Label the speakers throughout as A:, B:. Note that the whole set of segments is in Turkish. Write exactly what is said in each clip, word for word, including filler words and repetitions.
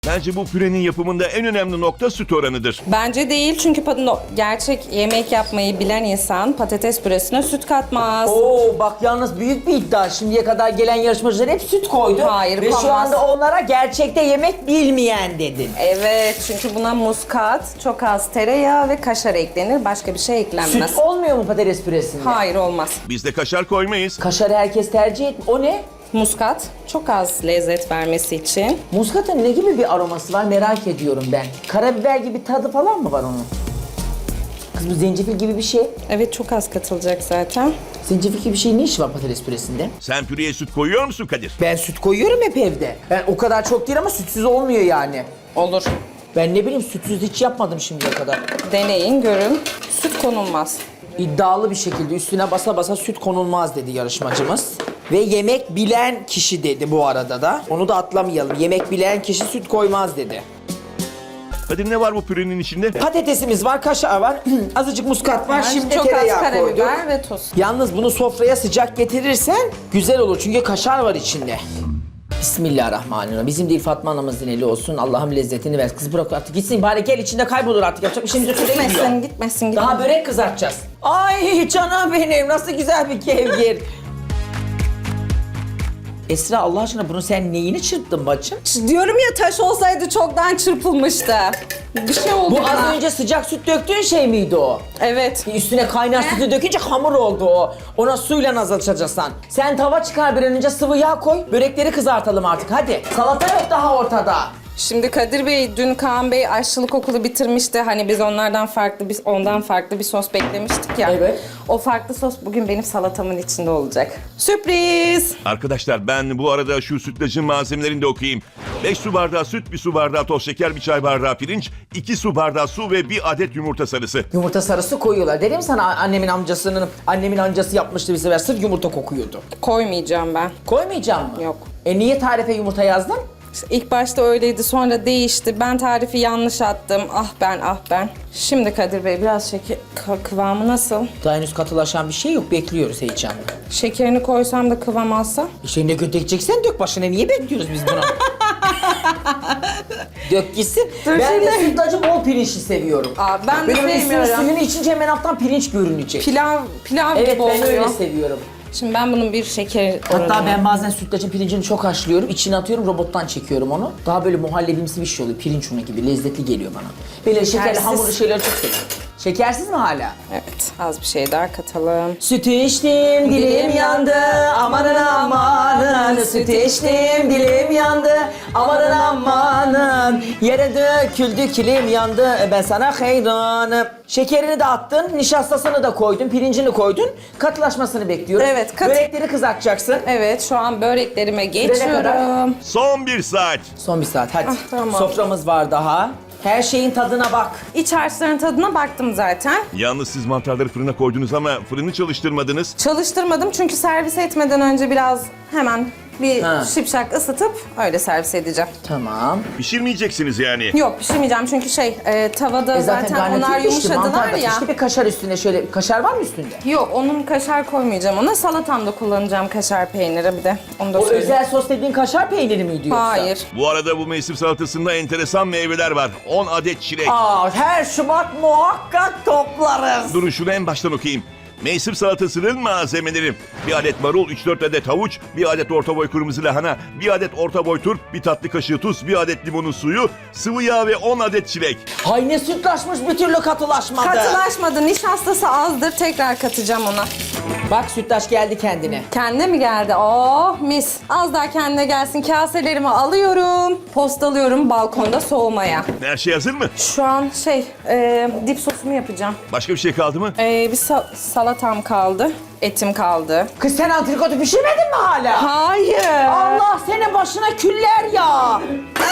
A: Bence bu pürenin yapımında en önemli nokta süt oranıdır.
B: Bence değil çünkü pat- gerçek yemek yapmayı bilen insan patates püresine süt katmaz.
C: Oo bak yalnız büyük bir iddia. Şimdiye kadar gelen yarışmacılar hep süt koydu.
B: Hayır,
C: Ve şu
B: koymaz.
C: anda onlara gerçekte yemek bilmeyen dedin.
B: Evet, çünkü buna muskat, çok az tereyağı ve kaşar eklenir. Başka bir şey eklenmez.
C: Süt olmuyor mu patates püresinde?
B: Hayır, olmaz.
A: Biz de kaşar koymayız.
C: Kaşarı herkes tercih et. O ne?
B: Muskat çok az lezzet vermesi için.
C: Muskatın ne gibi bir aroması var merak ediyorum ben. Karabiber gibi tadı falan mı var onun? Kız bu zencefil gibi bir şey.
B: Evet, çok az katılacak zaten.
C: Zencefil gibi bir şey ne işi var patates püresinde?
A: Sen püreye süt koyuyor musun Kadir?
C: Ben süt koyuyorum hep evde. Ben o kadar çok değil ama sütsüz olmuyor yani.
B: Olur.
C: Ben ne bileyim sütsüz hiç yapmadım şimdiye kadar.
B: Deneyin, görün. Süt konulmaz.
C: İddialı bir şekilde üstüne basa basa süt konulmaz dedi yarışmacımız. Ve yemek bilen kişi dedi bu arada da. Onu da atlamayalım. Yemek bilen kişi süt koymaz dedi.
A: Kadir ne var bu pürenin içinde?
C: Patatesimiz var, kaşar var, azıcık muskat var, şimdi
B: çok az
C: tereyağı koyduk.
B: karabiber ve tuz.
C: Yalnız bunu sofraya sıcak getirirsen güzel olur çünkü kaşar var içinde. Bismillahirrahmanirrahim. Bizim değil Fatma anamızın eli olsun. Allah'ım lezzetini ver. Kız bırak artık gitsin bari gel içinde kaybolur artık. Yapacak bir şeyimiz yok. Şuraya gidiyor.
B: Gitmesin, gitmesin, gitmesin.
C: Daha börek kızartacağız. Ay canım benim nasıl güzel bir kevgir. Esra Allah aşkına bunu sen neyini çırptın bacım?
B: Diyorum ya, taş olsaydı çoktan çırpılmıştı. Bir şey oldu
C: Bu
B: bana.
C: az önce sıcak süt döktüğün şey miydi o?
B: Evet.
C: Üstüne kaynar sütü dökünce hamur oldu o. Ona suyla azaltacaksın. Sen tava çıkar bir an önce sıvı yağ koy. Börekleri kızartalım artık hadi. Salata yok daha ortada.
B: Şimdi Kadir Bey, dün Kaan Bey aşçılık okulu bitirmişti. Hani biz onlardan farklı, biz ondan farklı bir sos beklemiştik ya.
C: Evet.
B: O farklı sos bugün benim salatamın içinde olacak. Sürpriz!
A: Arkadaşlar ben bu arada şu sütlacın malzemelerini de okuyayım. beş su bardağı süt, bir su bardağı toz şeker, bir çay bardağı pirinç, iki su bardağı su ve bir adet yumurta sarısı.
C: Yumurta sarısı koyuyorlar. Dedim sana annemin amcasının, annemin amcası yapmıştı bir sefer. Sırf yumurta kokuyordu.
B: Koymayacağım ben.
C: Koymayacağım mı?
B: Yok.
C: E niye tarife yumurta yazdın?
B: İşte İlk başta öyleydi, sonra değişti. Ben tarifi yanlış attım. Ah ben, ah ben. Şimdi Kadir Bey, biraz şeker kı- kıvamı nasıl?
C: Daha henüz katılaşan bir şey yok. Bekliyoruz heyecanla.
B: Şekerini koysam da kıvam alsa?
C: İşte ne dökeceksen dök başına. Niye bekliyoruz biz bunu? Dök gitsin.
B: Dur
C: ben
B: şimdi.
C: de sütlacı bol pirinçli seviyorum.
B: Aa, ben de
C: Böyle üstünün
B: sevmiyorum.
C: suyunu içince hemen alttan pirinç görünecek.
B: Pilav, pilav
C: Evet
B: gibi
C: ben
B: oluyor.
C: öyle seviyorum.
B: Şimdi ben bunun bir şeker
C: Hatta
B: oranı-
C: ben bazen sütlacın pirincini çok haşlıyorum, içine atıyorum, robottan çekiyorum onu. Daha böyle muhallebimsi bir şey oluyor, pirinç unu gibi, lezzetli geliyor bana. Böyle şekerli
B: Şekersiz.
C: hamurlu şeyleri çok seviyorum. Şekersiz mi hala?
B: Evet, az bir şey daha katalım.
C: Sütü içtim, dilim yandı, amanın amanın. Sütü içtim, dilim yandı, amanın amanın. Yere döküldü, kilim yandı, ben sana hayranım. Şekerini de attın, nişastasını da koydun, pirincini koydun. Katılaşmasını bekliyoruz.
B: Evet, kat-
C: Börekleri kızartacaksın.
B: Evet, şu an böreklerime
C: kadar?
B: geçiyorum.
A: Son bir saat.
C: Son bir saat hadi.
B: Ah, tamam.
C: Soframız var daha. Her şeyin tadına bak.
B: İç harçların tadına baktım zaten.
A: Yalnız siz mantarları fırına koydunuz ama fırını çalıştırmadınız.
B: Çalıştırmadım çünkü servis etmeden önce biraz hemen bir
C: Ha.
B: şipşak ısıtıp öyle servis edeceğim.
C: Tamam.
A: Pişirmeyeceksiniz yani.
B: Yok, pişirmeyeceğim çünkü şey e, tavada
C: E
B: zaten,
C: zaten
B: onlar
C: garnitür pişti, mantar
B: yumuşadılar
C: da
B: ya.
C: pişti. Bir kaşar üstüne şöyle, kaşar var mı üstünde?
B: Yok, onun kaşar koymayacağım ona. Salatamda kullanacağım kaşar peyniri bir de. Onu da
C: O
B: söyleyeyim.
C: özel sos dediğin kaşar peyniri miydi yoksa?
B: Hayır.
A: Bu arada bu mevsim salatasında enteresan meyveler var. on adet çilek.
C: Aa, her Şubat muhakkak toplarız.
A: Durun şunu en baştan okuyayım. Mevsim salatasının malzemeleri: bir adet marul, üç dört adet havuç, bir adet orta boy kırmızı lahana, bir adet orta boy turp, bir tatlı kaşığı tuz, bir adet limonun suyu, sıvı yağ ve on adet çilek.
C: Hay ne sütlaşmış bir türlü katılaşmadı.
B: Katılaşmadı. Nişastası azdır. Tekrar katacağım ona.
C: Bak sütlaç geldi kendine.
B: Kendine mi geldi? Oh mis. Az daha kendine gelsin. Kaselerimi alıyorum. Postalıyorum balkonda soğumaya.
A: Her şey hazır mı?
B: Şu an şey e, dip sosumu yapacağım.
A: Başka bir şey kaldı mı?
B: E, bir sa- salatam kaldı. Etim kaldı.
C: Kız sen antrikotu pişirmedin mi hala?
B: Hayır.
C: Allah senin başına küller ya.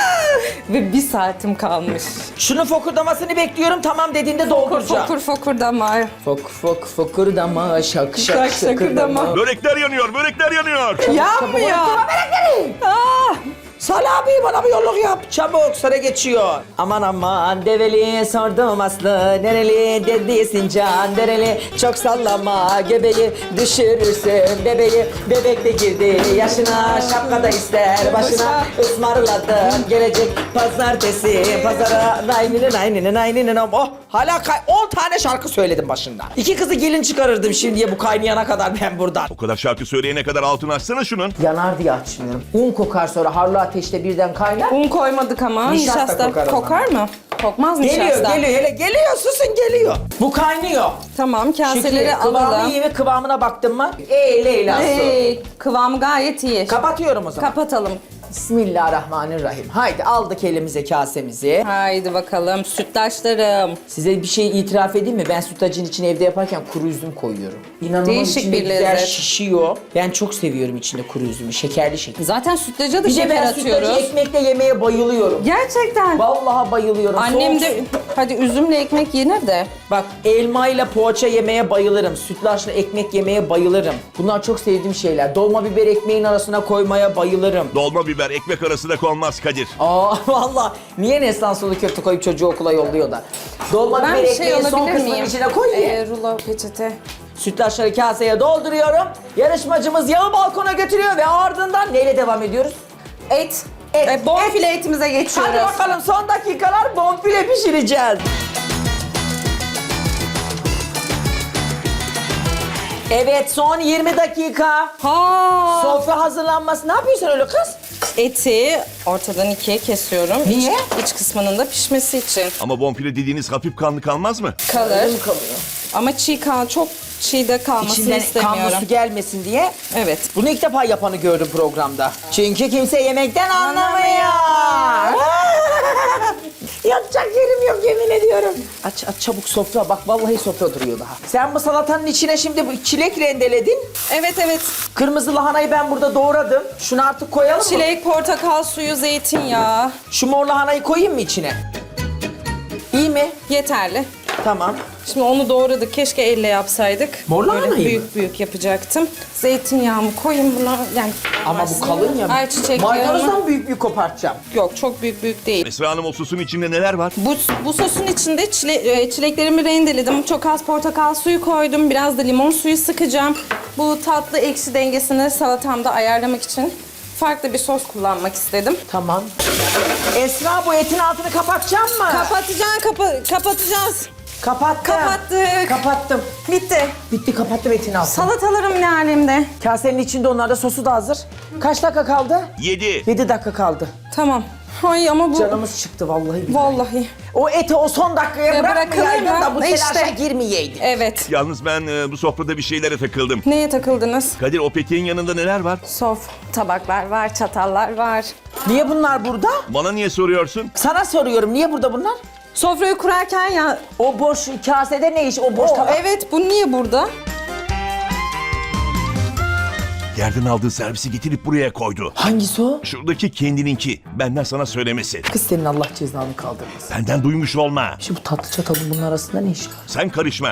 B: Ve bir saatim kalmış.
C: Şunun fokurdamasını bekliyorum, tamam dediğinde
B: Fokur
C: dolduracağım.
B: fokur fokurdama.
C: Fok fok fokurdama şak şak
B: Şak
C: şakırdama.
B: şakırdama.
A: Börekler yanıyor, börekler yanıyor.
B: Yanmıyor. Aa,
C: Salih abi bana bir yolluk yap. Çabuk sıra geçiyor. Aman aman develi sordum aslı. Nereli dedisin can dereli. Çok sallama göbeği düşürürsün bebeği. Bebek de girdi yaşına şapkada ister başına. Ismarladım gelecek pazartesi. Pazara nayninin nayninin nayninin. Oh hala kay- on tane şarkı söyledim başında. İki kızı gelin çıkarırdım şimdiye bu kaynayana kadar ben buradan.
A: O kadar şarkı söyleyene kadar altını açsana şunun.
C: Yanar diye açmıyorum. Un kokar sonra harlı ateşte birden kaynar.
B: Un koymadık ama
C: Nişasta
B: nişasta,
C: kokar o
B: kokar mı? Kokmaz
C: Geliyor,
B: nişasta.
C: geliyor, hele geliyor, susun geliyor. Bu kaynıyor.
B: Tamam, kaseleri
C: Şekli, kıvamı
B: alalım.
C: iyi mi? Kıvamına baktın mı? Ey Leyla su.
B: Hey, kıvamı gayet iyi.
C: Kapatıyorum o zaman.
B: Kapatalım.
C: Bismillahirrahmanirrahim. Haydi aldık elimize kasemizi.
B: Haydi bakalım sütlaçlarım.
C: Size bir şey itiraf edeyim mi? Ben sütlacın içine evde yaparken kuru üzüm koyuyorum. İnanılmaz
B: Değişik
C: içinde
B: bir
C: güzel
B: lezzet.
C: şişiyor. Ben çok seviyorum içinde kuru üzümü. Şekerli şeker.
B: Zaten sütlaca da
C: Bir de
B: şeker
C: ben sütlacı
B: atıyoruz.
C: ekmekle yemeye bayılıyorum.
B: Gerçekten.
C: Vallahi bayılıyorum.
B: Annem
C: Soğuk-
B: de hadi üzümle ekmek yenir de.
C: Bak elmayla poğaça yemeye bayılırım. Sütlaçla ekmek yemeye bayılırım. Bunlar çok sevdiğim şeyler. Dolma biber ekmeğin arasına koymaya bayılırım.
A: Dolma biber ekmek arasında konmaz Kadir.
C: Aa valla niye Neslihan sulu köfte koyup çocuğu okula yolluyor da? Dolma
B: Ben
C: biber
B: bir şey
C: ekmeğin son
B: alabilir
C: kısmının
B: miyim?
C: içine koy ye.
B: Ee, rulo peçete.
C: Sütlaçları kaseye dolduruyorum. Yarışmacımız yağı balkona götürüyor ve ardından neyle devam ediyoruz?
B: Et.
C: Et,
B: E, bonfile etimize geçiyoruz.
C: Hadi bakalım son dakikalar bonfile pişireceğiz. Evet son yirmi dakika.
B: Ha.
C: Sofra hazırlanması. Ne yapıyorsun öyle kız?
B: Eti ortadan ikiye kesiyorum.
C: Niye?
B: İç, iç kısmının da pişmesi için.
A: Ama bonfile dediğiniz hafif kanlı kalmaz mı?
B: Kalır.
C: Öyle mi kalıyor?
B: Ama çiğ kal, çok çiğ de kalmasını
C: İçinden
B: istemiyorum.
C: kanlı su gelmesin diye.
B: Evet.
C: Bunu ilk defa yapanı gördüm programda. Çünkü kimse yemekten anlamıyor. Yatacak yerim yok yemin ediyorum. Aç aç çabuk sofra. Bak vallahi sofra duruyor daha. Sen bu salatanın içine şimdi bu çilek rendeledin.
B: Evet evet.
C: Kırmızı lahanayı ben burada doğradım. Şunu artık koyalım mı?
B: Çilek, portakal suyu, zeytinyağı.
C: Şu mor lahanayı koyayım mı içine? İyi mi?
B: Yeterli.
C: Tamam.
B: Şimdi onu doğradık. Keşke elle yapsaydık.
C: Mor
B: Böyle
C: lahanayı mı?
B: büyük büyük yapacaktım. Zeytinyağımı koyayım buna. Yani
C: Ama bu kalın ya.
B: Ayçiçek yağını.
C: Maydanozdan büyük büyük kopartacağım.
B: Yok çok büyük büyük değil.
A: Esra Hanım o sosun içinde neler var?
B: Bu, bu sosun içinde çile, e, çileklerimi rendeledim. Çok az portakal suyu koydum. Biraz da limon suyu sıkacağım. Bu tatlı ekşi dengesini salatamda ayarlamak için farklı bir sos kullanmak istedim.
C: Tamam. Esra bu etin altını kapatacağım mı?
B: Kapatacaksın, kapa kapatacağız.
C: Kapattım.
B: Kapattık.
C: Kapattım.
B: Bitti.
C: Bitti kapattım etin altını.
B: Salatalarım ne alemde?
C: Kasenin içinde onlar da sosu da hazır. Kaç dakika kaldı?
A: Yedi.
C: Yedi dakika kaldı.
B: Tamam. Ay ama bu...
C: Canımız çıktı vallahi billahi.
B: Vallahi.
C: O eti o son dakikaya
B: Ya
C: bırakmayaydın
B: bırakılır
C: da
B: mı?
C: bu telaşa
B: İşte.
C: girmeyeydin.
B: Evet.
A: Yalnız ben e, bu sofrada bir şeylere takıldım.
B: Neye takıldınız?
A: Kadir o peteğin yanında neler var?
B: Sof, tabaklar var, çatallar var.
C: Niye bunlar burada?
A: Bana niye soruyorsun?
C: Sana soruyorum niye burada bunlar?
B: Sofrayı kurarken ya...
C: O boş kasede ne iş? O boş
B: O,
C: tabak.
B: evet, bu niye burada?
A: Yerden aldığı servisi getirip buraya koydu.
C: Hangisi o?
A: Şuradaki kendininki. Benden sana söylemesi.
C: Kız senin Allah cezanı kaldırmasın.
A: Benden duymuş olma.
C: Şimdi bu tatlı çatalın bunun arasında ne iş var?
A: Sen karışma.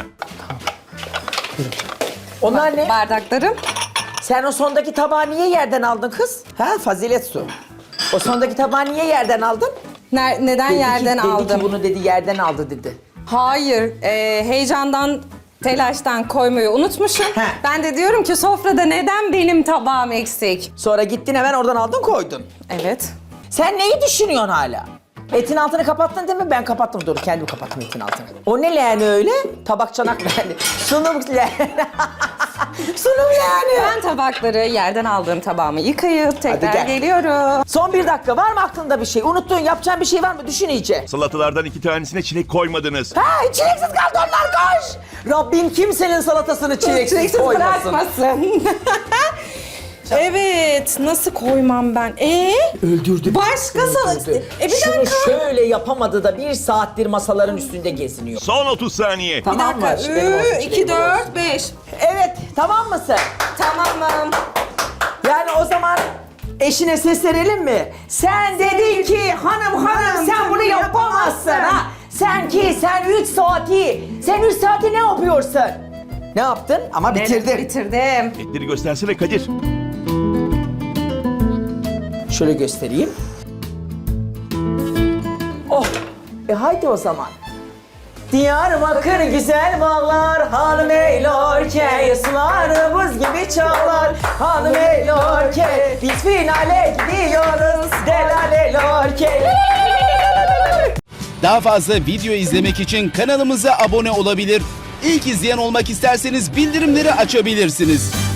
C: Onlar ne?
B: Bardaklarım.
C: Sen o sondaki tabağı niye yerden aldın kız? Ha fazilet su. O sondaki tabağı niye yerden aldın?
B: Ner- neden
C: Dedi ki-
B: yerden
C: dedi
B: aldım?
C: ki bunu dedi yerden aldı dedi.
B: Hayır, e, heyecandan, telaştan koymayı unutmuşum.
C: He.
B: Ben de diyorum ki sofrada neden benim tabağım eksik?
C: Sonra gittin hemen oradan aldın koydun.
B: Evet.
C: Sen neyi düşünüyorsun hala? Etin altını kapattın değil mi? Ben kapattım dur kendim kapattım etin altını. O ne leğeni öyle? Tabak çanak leğeni. Sunum leğeni. Sunum leğeni.
B: Ben tabakları yerden aldığım tabağımı yıkayıp tekrar
C: gel.
B: geliyorum.
C: Son bir dakika var mı aklında bir şey? Unuttuğun yapacağın bir şey var mı? Düşün iyice.
A: Salatalardan iki tanesine çilek koymadınız.
C: Ha çileksiz kaldı onlar koş. Rabbim kimsenin salatasını çileksiz,
B: Çileksiz
C: koymasın.
B: bırakmasın. Evet, nasıl koymam ben? Ee?
C: Öldürdü.
B: Başka salata...
C: Öldürdü.
B: E bir
C: Şunu
B: dakika.
C: şöyle yapamadı da bir saattir masaların üstünde geziniyor.
A: Son otuz saniye.
B: Bir
C: Tamam mı?
B: dakika.
C: Benim olsun,
B: Üç,
C: çileğim
B: iki,
C: olsun.
B: dört, beş.
C: Evet tamam mısın?
B: Tamamım.
C: Yani o zaman eşine seslenelim mi? Sen dedin ki hanım hanım sen bunu yapamazsın ha. Sen ki sen üç saati, sen üç saati ne yapıyorsun? Ne yaptın? Ama bitirdin.
B: Bitirdim.
A: Etleri göstersene Kadir.
C: Şöyle göstereyim. Oh, e haydi o zaman. Diyarbakır güzel bağlar, hanım eylorke, sular buz gibi çağlar, hanım eylorke, biz finale gidiyoruz, delale lorke.
D: Daha fazla video izlemek için kanalımıza abone olabilir. İlk izleyen olmak isterseniz bildirimleri açabilirsiniz.